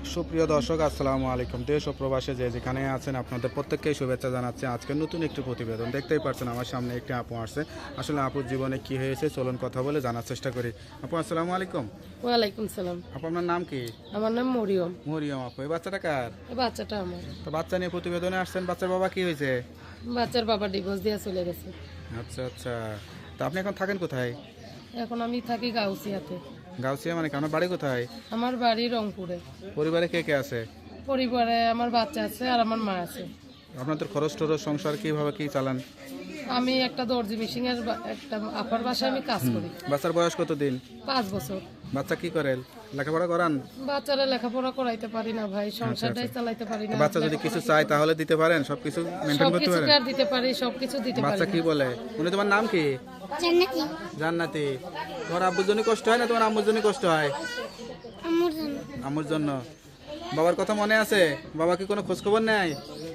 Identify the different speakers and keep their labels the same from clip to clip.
Speaker 1: সুপ্রিয় দর্শক, আসসালামু আলাইকুম। দেশ ও প্রবাসে যে যেখানে আছেন আপনাদের প্রত্যেককেই শুভেচ্ছা জানাচ্ছি। আজকে নতুন একটি প্রতিবেদন দেখতেই পাচ্ছেন, আমার সামনে একটি আপু আসছে। আসলে আপুর জীবনে কি হয়েছে চলুন কথা বলে জানার চেষ্টা করি। আপু আসসালামু আলাইকুম।
Speaker 2: ওয়ালাইকুম সালাম।
Speaker 1: আপু আপনার নাম কি?
Speaker 2: আমার নাম মরিয়ম।
Speaker 1: মরিয়ম আপু, এই বাচ্চাটা কার?
Speaker 2: এই বাচ্চাটা আমার।
Speaker 1: তো বাচ্চা নিয়ে প্রতিবেদনে আসছেন, বাচ্চার বাবা কি হয়েছে?
Speaker 2: বাচ্চার বাবা ডিভোর্স দিয়ে চলে গেছে।
Speaker 1: আচ্ছা আচ্ছা, তো আপনি এখন থাকেন কোথায়?
Speaker 2: এখন আমি থাকি গাউসিয়াতে।
Speaker 1: গাউসিয়া মানে কি? আপনার বাড়ি কোথায়?
Speaker 2: আমার বাড়ি রংপুরে।
Speaker 1: পরিবারে কে কে আছে?
Speaker 2: পরিবারে আমার বাচ্চা আছে আর আমার মা আছে।
Speaker 1: আপনাদের খরচ টরচ সংসার কিভাবে কি চালান?
Speaker 2: আমি একটা দর্জি মেশিন এর একটা আপার বাসায় আমি কাজ করি।
Speaker 1: বাচ্চার বয়স কত দিন?
Speaker 2: 5 বছর।
Speaker 1: বাচ্চা কি করেন? লেখাপড়া করান?
Speaker 2: বাচ্চারা লেখাপড়া করাইতে পারি না ভাই, সংসারটাই চালাইতে পারি না।
Speaker 1: বাচ্চা যদি কিছু চায় তাহলে দিতে পারেন? সবকিছু মেনটেন করতে
Speaker 2: সবকিছু
Speaker 1: পারেন?
Speaker 2: কার দিতে পারি, সবকিছু দিতে পারি
Speaker 1: বাচ্চা
Speaker 2: না।
Speaker 1: কি বলে? উনি তোমার নাম কি?
Speaker 3: জান্নাতি।
Speaker 1: জান্নাতি। তোমার আব্বুর জন্য কষ্ট হয় না তোমার আম্মুর জন্য কষ্ট হয়?
Speaker 3: আম্মুর জন্য।
Speaker 1: আম্মুর জন্য। বাবার কথা মনে আছে? বাবা কি কোনো খোঁজ খবর নেয়?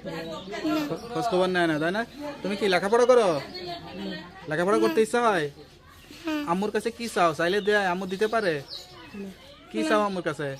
Speaker 1: খোঁজ খবর নেয় না, তাই না? তুমি কি লেখাপড়া করো? লেখাপড়া করতে ইচ্ছা হয়? আম্মুর কাছে কি চাও? চাইলে দেয়? আম্মু দিতে পারে? কি চাও আম্মুর কাছে?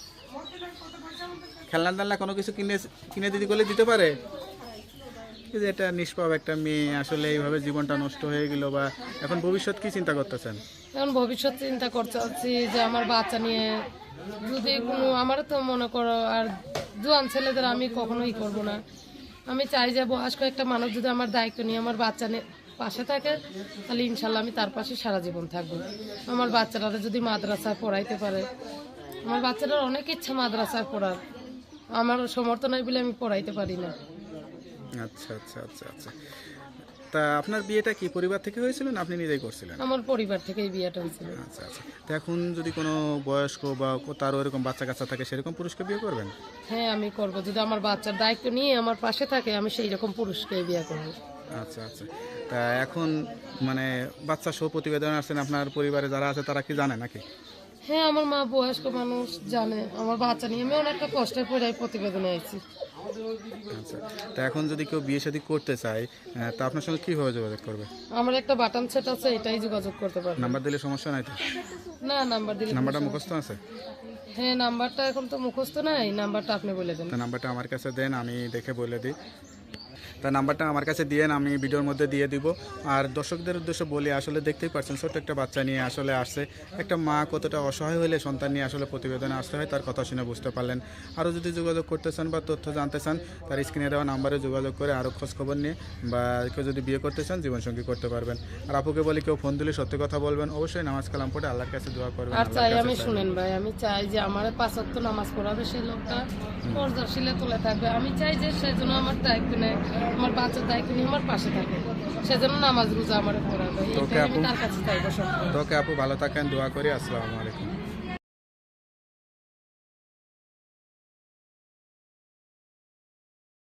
Speaker 1: খেলনা টেলনা কোনো কিছু কিনে কিনে দিতে করলে দিতে পারে? এই যে এটা নিষ্পাপ একটা মেয়ে, আসলে এইভাবে জীবনটা নষ্ট হয়ে গেল, বা এখন ভবিষ্যৎ কি চিন্তা করতেছেন?
Speaker 2: এখন ভবিষ্যৎ চিন্তা করছি যে আমার বাচ্চা নিয়ে যদি কোনো, আমার তো মনে করো আর জোয়ান ছেলেদের আমি কখনোই করব না। আমি চাই যে বয়স্ক একটা মানুষ যদি আমার দায়িত্ব নিয়ে আমার বাচ্চা নিয়ে পাশে থাকে, তাহলে ইনশাল্লাহ আমি তার পাশে সারা জীবন থাকবো। আমার বাচ্চারা যদি মাদ্রাসায় পড়াইতে পারে, আমার বাচ্চাটার অনেক ইচ্ছা মাদ্রাসায় পড়ার, আমার সমর্থ নাই বলে আমি পড়াইতে পারি না।
Speaker 1: আচ্ছা আচ্ছা আচ্ছা আচ্ছা, তা আপনার বিয়েটা কি পরিবার থেকে হয়েছিল না আপনি নিজেই করছিলেন?
Speaker 2: আমার পরিবার থেকেই বিয়েটা হয়েছিল।
Speaker 1: আচ্ছা আচ্ছা, তো এখন যদি কোনো বয়স্ক বা তারও এরকম বাচ্চা কাচ্চা থাকে, সেরকম পুরুষকে বিয়ে করবেন?
Speaker 2: হ্যাঁ আমি করব, যদি আমার বাচ্চার দায়িত্ব নিয়ে আমার পাশে থাকে আমি সেই রকম পুরুষকে বিয়ে করবো।
Speaker 1: আচ্ছা আচ্ছা, তা এখন মানে বাচ্চা সহ প্রতিবেদন আসছেন, আপনার পরিবারে যারা আছে তারা কি জানে নাকি?
Speaker 2: হ্যাঁ আমার মা বয়স্ক মানুষ জানে আমার বাচ্চা নিয়ে আমি অনেকটা কষ্টের পরে এই প্রতিবেদনে আইছি।
Speaker 1: আচ্ছা, তা এখন যদি কেউ বিয়ে শাদী করতে চায়, তা আপনার সঙ্গে কীভাবে যোগাযোগ করবে?
Speaker 2: আমার একটা বাটন সেট আছে, এটাই যোগাযোগ করতে পারবে।
Speaker 1: নাম্বার দিলে সমস্যা নাই তো?
Speaker 2: না নাম্বার দিলে
Speaker 1: নাম্বারটা মুখস্থ আছে?
Speaker 2: হ্যাঁ নাম্বারটা এখন তো মুখস্থ নাই, নাম্বারটা আপনি বলে দেন।
Speaker 1: তা নাম্বারটা আমার কাছে দেন, আমি দেখে বলে দিই। তা নাম্বারটা আমার কাছে দিয়েন, আমি ভিডিওর মধ্যে দিয়ে দিব। আর দর্শকদের উদ্দেশ্যে বলি, আসলে দেখতেই পাচ্ছেন ছোট্ট একটা বাচ্চা নিয়ে আসলে আসছে। একটা মা কতটা অসহায় হলে সন্তান নিয়ে আসলে প্রতিবেদনে আসতে হয়, তার কথা শুনে বুঝতে পারলেন। আরও যদি যোগাযোগ করতে চান বা তথ্য জানতে চান, তার স্ক্রিনে দেওয়া নাম্বারে যোগাযোগ করে আরও খোঁজখবর নিয়ে, বা কেউ যদি বিয়ে করতে চান জীবনসঙ্গী করতে পারবেন। আর আপুকে বলি, কেউ ফোন দিলে সত্যি কথা বলবেন, অবশ্যই নামাজ কালাম পড়ে আল্লাহর কাছে দোয়া করবেন।
Speaker 2: আর চাই আমি শুনেন ভাই, আমি চাই যে আমার 5 ওয়াক্ত নামাজ পড়াবে সেই লোকটা পর্দাশীলে তুলে থাকবে। আমি চাই যে সেজন্য আমার দায়িত্ব নেয়, আমার বাচ্চার দায়িত্ব নিয়ে আমার পাশে থাকে, সেজন্য নামাজ রোজা আমার পড়াবে।
Speaker 1: তোকে
Speaker 2: আমি তার কাছে চাইবো সব।
Speaker 1: আপু ভালো থাকেন, দোয়া করি। আসসালামু আলাইকুম।